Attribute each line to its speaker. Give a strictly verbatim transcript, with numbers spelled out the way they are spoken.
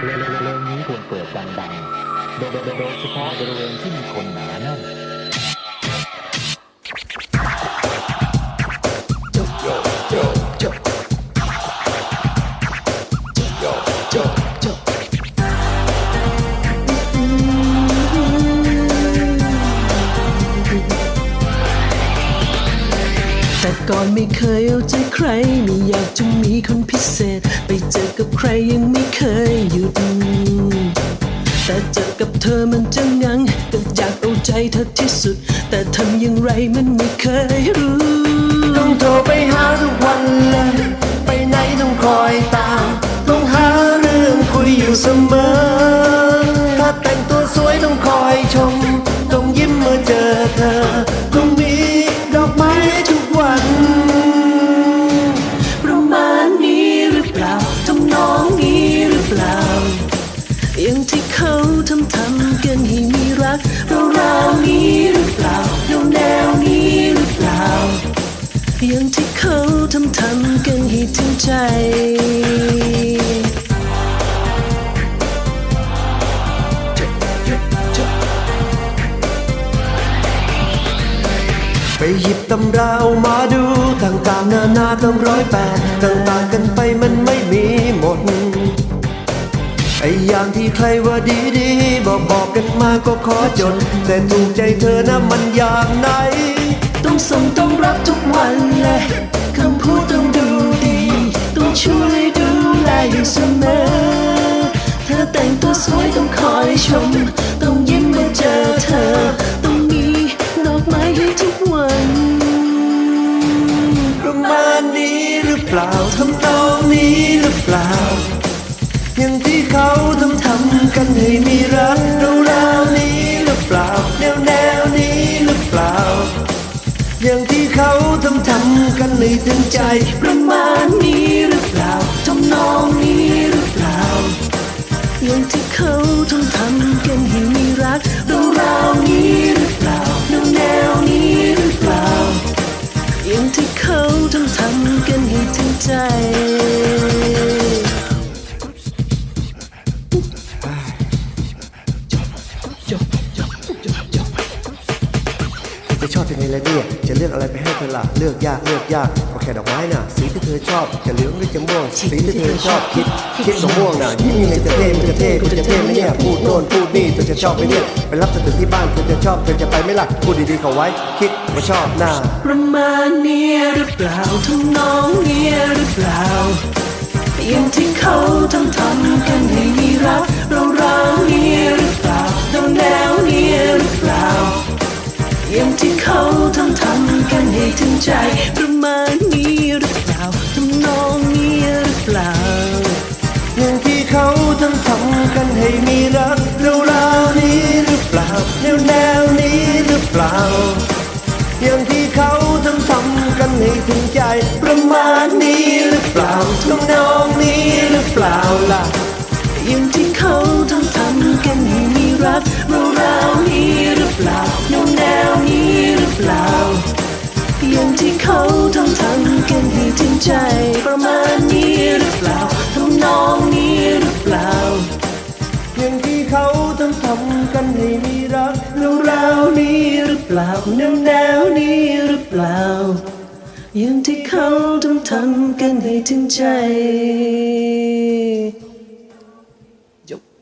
Speaker 1: เพลงนี้ควรเปิดดังๆโดยโดยเฉพาะบริเวณที่มีคนหนาแน่น
Speaker 2: แต่ก่อนไม่เคยเอาใจใครไม่อยากจะมีคนพิเศษไปเจอกับใครยังไม่เคยหยุดแต่เจอกับเธอมันจะงังก็อยากเอาใจเธอที่สุดแต่ทำอย่างไรมันไม่เคยรู้
Speaker 3: ต้องโทรไปหาทุกวันเลยไปไหนต้องคอยตามต้องหาเรื่องคุยอยู่เสมอถ้าแต่งตัวสวยต้องคอยชมต้องยิ้มเมื่อเจอเธอต้องมีดอกไม้ทุกวัน
Speaker 2: ประมาณนี้หรือเปล่าทำนองนี้หรือเปล่าอย่างที่เขาทำทำกันให้มีรักเราเรานี้หรือเปล่าแนวแนวนี้หรือเปล่าอย่างที่เขาทำทำกันให้ถึงใจ
Speaker 3: ไปหยิบตำราเอามาดูต่างๆนานาตั้งร้อยแปดต่างๆกันไปมันไม่มีหมดไอ้อย่างที่ใครว่าดีๆบอกบอกกันมาก็ขอจดแต่ถูกใจเธอนะมันอย่างไหน
Speaker 2: ต้องส่งต้องรับทุกวันเลยคำพูดต้องดูดีต้องช่วยดูแลอยู่เสมอเธอแต่งตัวสวยต้องคอยชมต้องยิ้มเมื่อเจอเธอต้องมีดอกไม้ให้ทุกวัน
Speaker 3: ประมาณนี้หรือเปล่าทำนองนี้หรือเปล่าอย่างที่เขาทำทำกันให้มีรักเราเรานี้หรือเปล่าแนวแนวนี้หรือเปล่าอย่างที่เขาทำทำกันให้ถึงใจ
Speaker 2: ประมาณนี้หรือเปล่าทำนองนี้หรือเปล่าอย่างที่เขาทำทำกันให้มีรักเราเรานี้หรือเปล่าแนวแนวนี้หรือเปล่าอย่างที่เขาทำทำกันให้ถึงใจ
Speaker 3: จะชอบยังไงล่ะเนี่ยจะเลือกอะไรไปให้เธอล่ะเลือกยากเลือกยากก็แค่ดอกไม้น่ะสีที่เธอชอบจะเหลืองหรือจะม่วงสีที่เธอชอบคิดคิดดอกม่วงน่ะยิ้มยังไงจะเท่มันจะเท่มันจะเท่ไหมเนี่ยพูดโน่นพูดนี่เธอจะชอบไหมเนี่ยไปรับเธอถึงที่บ้านเธอจะชอบเธอจะไปไหมล่ะพูดดีๆเข้าไว้คิดว่าชอบหน้า
Speaker 2: ประมาณนี้หรือเปล่าทำนองนี้หรือเปล่าอย่างที่เขาทำทำกันให้มีรักเราเรานี้หรือเปล่าแนวแนวนี้หรือเปล่าอย่างที่เขาทำทำกันให้ถึงใจประมาณนี้หรือเปล่าทำนองนี้หรือเปล่า
Speaker 3: อย่างที่เขาทำทำกันให้มีรักเราเรานี้หรือเปล่าแนวแนวนี้หรือเปล่าอย่างที่เขาทำทำกันให้ถึงใจประมาณนี้หรือเปล่าทำนองนี้หรือเปล่าล่ะ
Speaker 2: อย่างที่เขาทำทำกันให้มีรักเราเรานี้หรือเปล่าแนวแนวนี้หรือเปล่าอย่างที่เขาทำทำกันให้ถึงใจประมาณนี้หรือเปล่าทำนองนี้หรือเปล่า
Speaker 3: อย่างที่เขาทำทำกันให้มีรัก
Speaker 2: เราเรานี้หรือเปล่าแนวแนวนี้หรือเปล่าอย่างที่เขาทำทำกันให้ถึงใจจบ